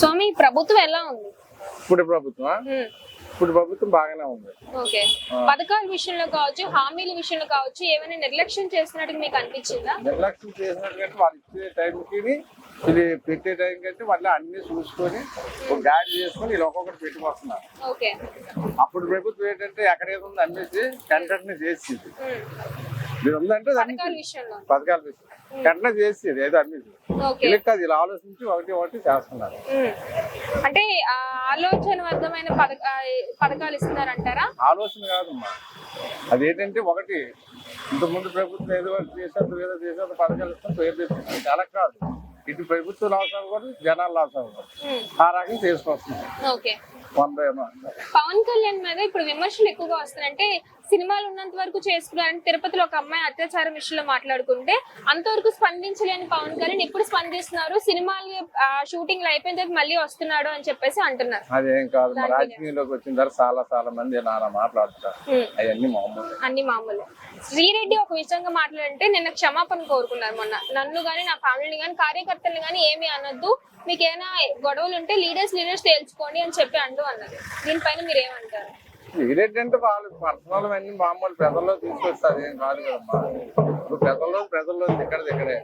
స్వామి ప్రభుత్వం ఎలా ఉంది? ఇప్పుడు ప్రభుత్వం బాగానే ఉంది. ఓకే, పథకాల విషయంలో కావచ్చు, హామీల విషయంలో కావచ్చు, ఏమైనా నిర్లక్ష్యం చేస్తున్నట్టు మీకు అనిపించిందా? నిర్లక్ష్యం చేసినట్టు వాళ్ళు ఇచ్చే టైంకి ఇది పెట్టే టైం కంటే మళ్ళీ అన్ని చూసుకొని ఒక గాడి చేసుకొని ఇలా ఒక్కొక్కటి పెట్టుకొస్తున్నారు. ఓకే, అప్పుడు ప్రభుత్వం ఏంటంటే ఎక్కడ ఏదో ఉంది అమ్మేసి కంటెంట్ చేసేది. మీరు ఉందంటే పథకాల విషయంలో వెంటనే చేసేది ఏదో అమ్మేసి ఇలా కాదు, ఇలా ఆలోచించి ఒకటి చేస్తున్నారు. అంటే ఆలోచనబద్ధమైన పథకాలు ఇస్తున్నారంటారా? ఆలోచన కాదమ్మా, అదేంటంటే ఒకటి ఇంతకుముందు ప్రభుత్వం ఏదో చేసేది పథకాలు ఇస్తాం పేరు తెచ్చుకుంటాం. అలా కాదు, ఇటు ప్రభుత్వం లాస్ అవ్వకూడదు, జనాలు లాస్ అవ్వకూడదు, ఆ రకంగా చేసుకొస్తున్నాం. పవన్ కళ్యాణ్ మీద ఇప్పుడు విమర్శలు ఎక్కువగా వస్తున్నాయంటే సినిమాలు ఉన్నంత వరకు చేసుకున్నారని తిరుపతిలో ఒక అమ్మాయి అత్యాచారం విషయంలో మాట్లాడుకుంటే అంతవరకు స్పందించలేని పవన్ కళ్యాణ్ ఇప్పుడు స్పందిస్తున్నారు, సినిమాలు షూటింగ్ అయిపోయిన తర్వాత మళ్ళీ వస్తున్నాడు అని చెప్పేసి అంటున్నారు. అదేం కాదు, రాజకీయంలోకి వచ్చిన తర్వాత చాలా మంది నాన్న మాట్లాడుతారు, అన్ని మామూలు. శ్రీరెడ్డి ఒక విషయంగా మాట్లాడంటే నిన్న క్షమాపణ కోరుకున్నారు మొన్న. నన్ను గానీ నా ఫ్యామిలీని గానీ కార్యకర్తలు గానీ ఏమి అనొద్దు, మీకు ఏమైనా గొడవలు ఉంటే లీడర్స్ తేల్చుకోండి అని చెప్పి అన్నారు. దీనిపైన మీరు ఏమంటారు? శ్రీరెడ్డి అంటే వాళ్ళు పర్సనల్ అన్ని మామూలు ప్రజల్లో తీసుకొస్తారు, ఏం కాదు కదమ్మా. ఇప్పుడు ప్రజల్లో ఇక్కడే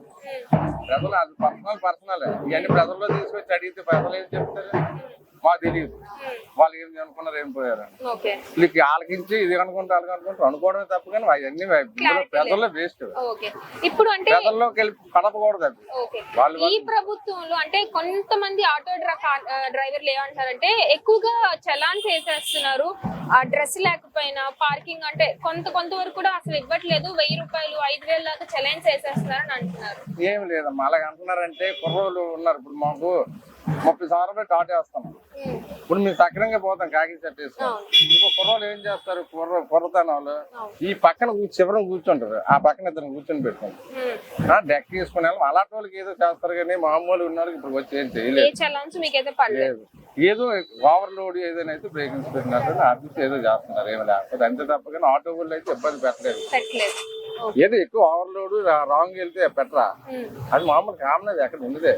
ప్రజలు అది పర్సనల్ ఇవన్నీ ప్రజల్లో తీసుకొచ్చి అడిగితే ప్రజలు ఏం చెప్తారు మాకు తెలియదు, వాళ్ళు ఏం అనుకున్నారు ఏం పోయారు వీళ్ళకి ఆలకించి ఇది అనుకుంటూ అనుకోవడమే తప్ప, కానీ అవన్నీ ప్రజల్లో వేస్ట్. ఇప్పుడు అంటే ప్రజల్లోకి వెళ్ళి కడపకూడదు అది. ఈ ప్రభుత్వంలో అంటే కొంతమంది ఆటో డ్రైవర్లు ఏమంటారంటే ఎక్కువగా చలాన్స్ వేసేస్తున్నారు, ఆ డ్రెస్ లేకపోయినా పార్కింగ్ అంటే కొంతవరకు కూడా అసలు ఇవ్వట్లేదు, 1000 రూపాయలు 5000 దాకా చలాన్స్ వేసేస్తున్నారు అని అంటున్నారు. ఏం లేదమ్మా, అలాగ అంటున్నారంటే కుర్రోళ్ళు ఉన్నారు. ఇప్పుడు మాకు 30 సంవత్సరాలు టాట్ వేస్తాం, ఇప్పుడు మేము సక్రంగా పోతాం కాకి సెట్ వేస్తాం. ఇంకో కుర్రోళ్ళు ఏం చేస్తారు, కుర్రతనాలు ఈ పక్కన చివరం కూర్చుంటారు, ఆ పక్కన ఇద్దరు కూర్చొని పెట్టుకుంటారు, డెక్ తీసుకుని వెళ్ళాం. అలాంటి వాళ్ళకి ఏదో చేస్తారు, కానీ మామూలు ఉన్న వాళ్ళకి ఇప్పుడు వచ్చి ఏం చేయలేదు. ఏదో ఓవర్లోడ్ ఏదైనా అయితే బ్రేకింగ్స్ పెట్టినట్టు ఆఫీస్ ఏదో చేస్తున్నారు, ఏమి లేకపోతే అంతే తప్ప. కానీ ఆటో వాళ్ళు అయితే ఇబ్బంది పెట్టలేదు. ఏదో ఎక్కువ ఓవర్లోడ్ రాంగ్ వెళ్తే పెట్టరా, అది మామూలు కామన్, అది ఎక్కడ ఉండదే.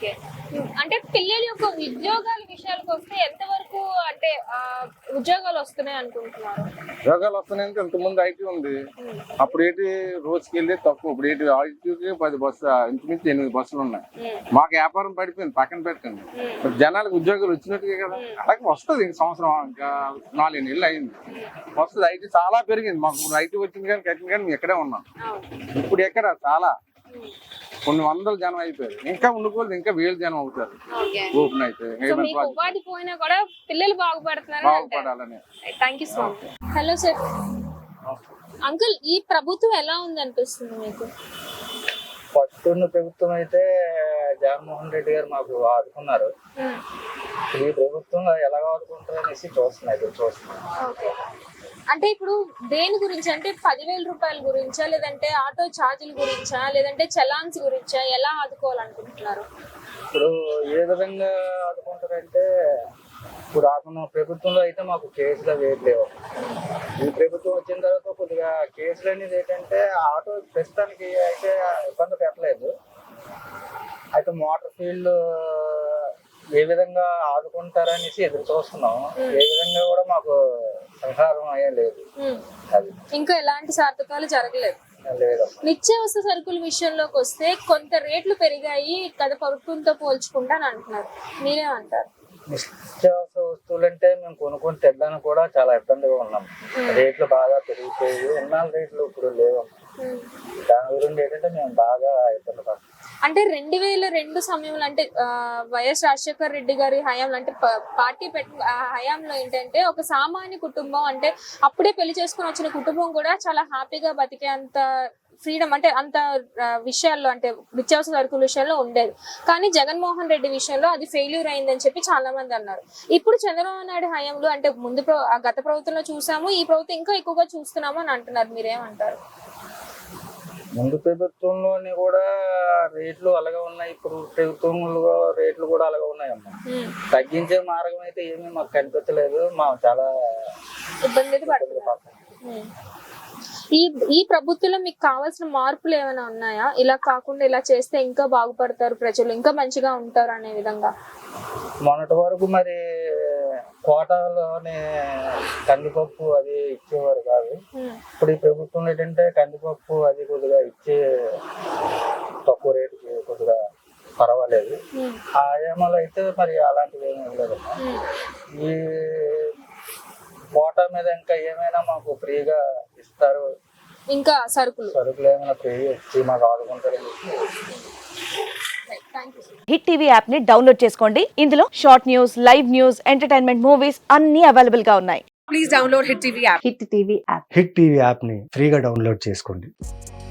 అంటే పిల్లల యొక్క ఉద్యోగాల విషయాలకు వస్తే ఎంతవరకు అంటే ఉద్యోగాలు వస్తున్నాయి అనుకుంటున్నారు? ఉద్యోగాలు వస్తున్నాయంటే ఇంతకుముందు ఐటీ ఉంది, అప్పుడు ఏంటి రోజుకి వెళ్ళి తక్కువ, ఇప్పుడు ఏంటి ఐటీకి 10 బస్సు ఇంచుమించి 8 బస్సులు ఉన్నాయి. మాకు వ్యాపారం పడిపోయింది, పక్కన పెట్టండి. జనాలకు ఉద్యోగాలు వచ్చినట్టుగా కదా, అలాగే వస్తుంది. ఇంక సంవత్సరం ఇంకా 4 నెలలు అయింది, వస్తుంది. ఐటీ చాలా పెరిగింది, మాకు ఐటీ వచ్చింది కానీ కట్టింది కానీ మేము ఎక్కడే ఉన్నాం. ఇప్పుడు ఎక్కడ చాలా కొన్ని వందల జనం అయిపోయారు, ఇంకా ఉండిపోలేదు, ఇంకా 1000 జనం అవుతారు ఓపెన్ అయితే. ఉపాధి పోయినా కూడా పిల్లలు బాగుపడాలని. హలో సార్, అంకుల్ ఈ ప్రభుత్వం ఎలా ఉంది అనిపిస్తుంది మీకు? ఫస్ట్ ఉన్న ప్రభుత్వం అయితే జగన్మోహన్ రెడ్డి గారు మాకు ఆదుకున్నారు, ఈ ప్రభుత్వంలో ఎలా ఆదుకుంటారు అనేసి చూస్తున్నాయి. అంటే ఇప్పుడు దేని గురించి అంటే 10,000 రూపాయల గురించా, లేదంటే ఆటో ఛార్జీల గురించా, లేదంటే చలాన్స్ గురించా, ఎలా ఆదుకోవాలనుకుంటున్నారు? ఇప్పుడు ఏ విధంగా ఆదుకుంటారంటే, ఇప్పుడు ఆకున్న ప్రభుత్వంలో అయితే మాకు కేసులు వేయట్లేవు. ఈ ప్రభుత్వం వచ్చిన తర్వాత కొద్దిగా కేసులు అనేది ఏంటంటే ఆటో ప్రస్తుతానికి అయితే ఇబ్బంది పెట్టలేదు. అయితే మోటార్ ఫీల్డ్ ఏ విధంగా ఆదుకుంటారనేసి ఎదురు చూస్తున్నాం. ఏ విధంగా కూడా మాకు సంహారం అయ్యలేదు, అది ఇంకా ఎలాంటి సార్థకాలు జరగలేదు. నిత్యావసర సరుకుల విషయంలోకి వస్తే కొంత రేట్లు పెరిగాయి గత ప్రభుత్వంతో పోల్చుకుంటా అని అంటున్నారు, మీరేమంటారు? నిత్యావసర వస్తువులు అంటే మేము కొనుక్కొని తెల్లని కూడా చాలా ఇబ్బందిగా ఉన్నాం. రేట్లు బాగా పెరిగిపోయి ఉన్న రేట్లు ఇప్పుడు లేవు. దాని గురించి ఏంటంటే మేము బాగా ఇబ్బంది పడుతున్నాం. అంటే 2002 సమయంలో అంటే వైఎస్ రాజశేఖర రెడ్డి గారి హయాంలో అంటే పార్టీ హయాంలో ఏంటంటే ఒక సామాన్య కుటుంబం అంటే అప్పుడే పెళ్లి చేసుకుని వచ్చిన కుటుంబం కూడా చాలా హ్యాపీగా బతికే అంత ఫ్రీడమ్ అంటే అంత విషయాల్లో అంటే నిత్యావసర సరుకుల విషయంలో ఉండేది. కానీ జగన్మోహన్ రెడ్డి విషయంలో అది ఫెయిల్యూర్ అయిందని చెప్పి చాలా మంది అన్నారు. ఇప్పుడు చంద్రబాబు నాయుడు హయాంలో అంటే గత ప్రభుత్వంలో చూసాము, ఈ ప్రభుత్వం ఇంకా ఎక్కువగా చూస్తున్నాము అని అంటున్నారు, మీరేమంటారు? ముందు ప్రభుత్వంలోని కూడా రేట్లు అలాగే ఉన్నాయి, ఇప్పుడు ప్రభుత్వంలో రేట్లు కూడా అలాగే ఉన్నాయమ్మా. తగ్గించే మార్గం అయితే ఏమీ మాకు కనిపించలేదు, మాకు చాలా ఇబ్బంది పడుతుంది. ఈ ప్రభుత్వంలో మీకు కావాల్సిన మార్పులు ఏమైనా ఉన్నాయా? ఇలా కాకుండా ఇలా చేస్తే ఇంకా బాగుపడతారు ప్రజలు, ఇంకా మంచిగా ఉంటారు అనే విధంగా. మొన్నటి వరకు మరి కోటాలోనే కందిపప్పు అది ఇచ్చేవారు కాదు. ఇప్పుడు ఈ ప్రభుత్వం ఏంటంటే కందిపప్పు అది కొద్దిగా ఇచ్చే తక్కువ రేటుకి కొద్దిగా పర్వాలేదు. ఆయామాలు అయితే మరి అలాంటివి ఏమీ ఇవ్వలేదమ్మా. ఈ కోటా మీద ఇంకా ఏమైనా మాకు ఫ్రీగా ఇస్తారు, ఇంకా సరుకులు ఏమైనా ఫ్రీగా ఇచ్చి మాకు ఆదుకుంటారని హిట్ టీవీ యాప్ ని డౌన్లోడ్ చేసుకోండి. ఇందులో short news, live news, entertainment movies అన్ని అవైలబుల్ గా ఉన్నాయి. Please download Hit TV app. Hit TV app. Hit TV యాప్ని ఫ్రీగా డౌన్లోడ్ చేసుకోండి.